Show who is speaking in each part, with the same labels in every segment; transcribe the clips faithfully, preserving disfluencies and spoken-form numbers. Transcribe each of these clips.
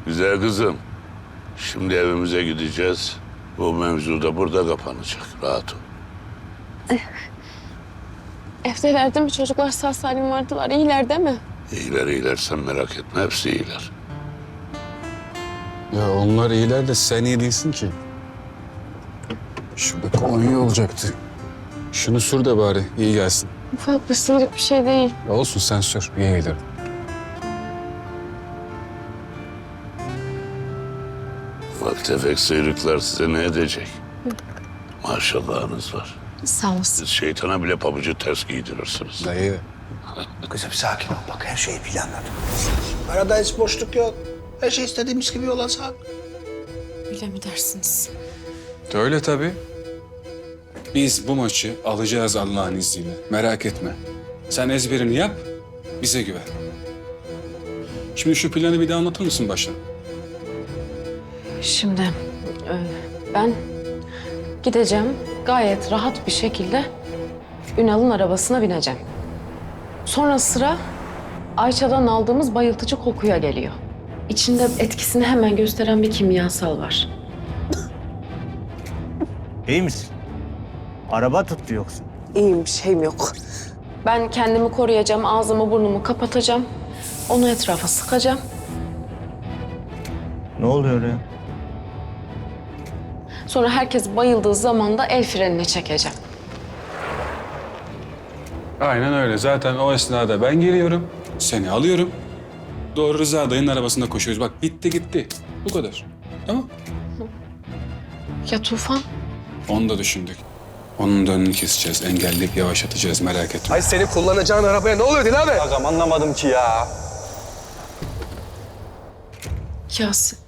Speaker 1: Güzel kızım. Şimdi evimize gideceğiz. Bu mevzu da burada kapanacak. Rahat ol.
Speaker 2: Evdeler değil mi? Çocuklar sağ salim vardılar. İyiler değil mi?
Speaker 1: İyiler iyiler, sen merak etme. Hepsi iyiler.
Speaker 3: Ya onlar iyiler de sen iyi değilsin ki. Şurada kolonya olacaktı. Şunu sür de bari iyi gelsin.
Speaker 2: Ufak bir sıyrık bir şey değil.
Speaker 3: Ya olsun sen sür iyi gelir.
Speaker 1: Bak tefek sıyrıklar size ne edecek? Maşallahınız var.
Speaker 2: Sağ olasın.
Speaker 1: Siz şeytana bile pabucu ters giydirirsiniz.
Speaker 3: Dayı.
Speaker 4: Kızım sakin ol bak her şeyi planladım. Arada hiç boşluk yok. Her şey istediğimiz gibi olacak.
Speaker 2: Öyle mi dersiniz?
Speaker 3: Öyle tabii. Biz bu maçı alacağız Allah'ın izniyle. Merak etme. Sen ezberini yap, bize güven. Şimdi şu planı bir daha anlatır mısın baştan?
Speaker 2: Şimdi e, ben gideceğim gayet rahat bir şekilde Ünal'ın arabasına bineceğim. Sonra sıra Ayça'dan aldığımız bayıltıcı kokuya geliyor. İçinde etkisini hemen gösteren bir kimyasal var.
Speaker 5: İyi misin? Araba tuttu yoksa.
Speaker 2: İyiyim, bir şeyim yok. Ben kendimi koruyacağım, ağzımı burnumu kapatacağım. Onu etrafa sıkacağım.
Speaker 5: Ne oluyor ya?
Speaker 2: Sonra herkes bayıldığı zaman da el frenini çekeceğim.
Speaker 3: Aynen öyle. Zaten o esnada ben geliyorum, seni alıyorum. Doğru Rıza dayının arabasında koşuyoruz. Bak bitti gitti. Bu kadar. Tamam.
Speaker 2: Ya Tufan?
Speaker 3: Onu da düşündük. Onun da önünü keseceğiz, engelleyip yavaşlatacağız merak etme.
Speaker 6: Ay senin kullanacağın arabaya ne oluyor Dil abi?
Speaker 5: Agam anlamadım ki ya.
Speaker 2: Yasin.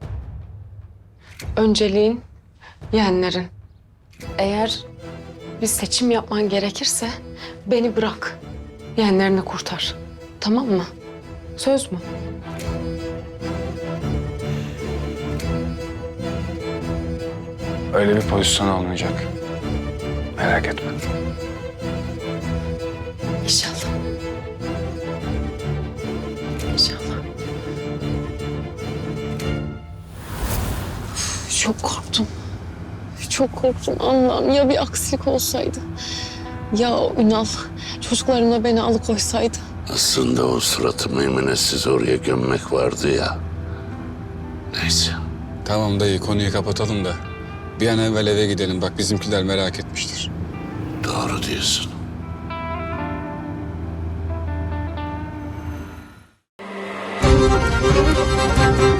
Speaker 2: Önceliğin yeğenlerin. Eğer bir seçim yapman gerekirse beni bırak. Yeğenlerini kurtar. Tamam mı? Söz mü?
Speaker 3: Öyle bir pozisyon olmayacak. Merak etme.
Speaker 2: İnşallah. İnşallah. Üf, çok korktum. Çok korktum Allah'ım. Ya bir aksilik olsaydı? Ya Ünal çocuklarımla beni alıkoysaydı?
Speaker 1: Aslında o suratı meymenetsiz oraya gömmek vardı ya. Neyse.
Speaker 3: Tamam dayı konuyu kapatalım da bir an evvel eve gidelim. Bak bizimkiler merak etmiştir.
Speaker 1: Doğru diyorsun.
Speaker 7: Thank you.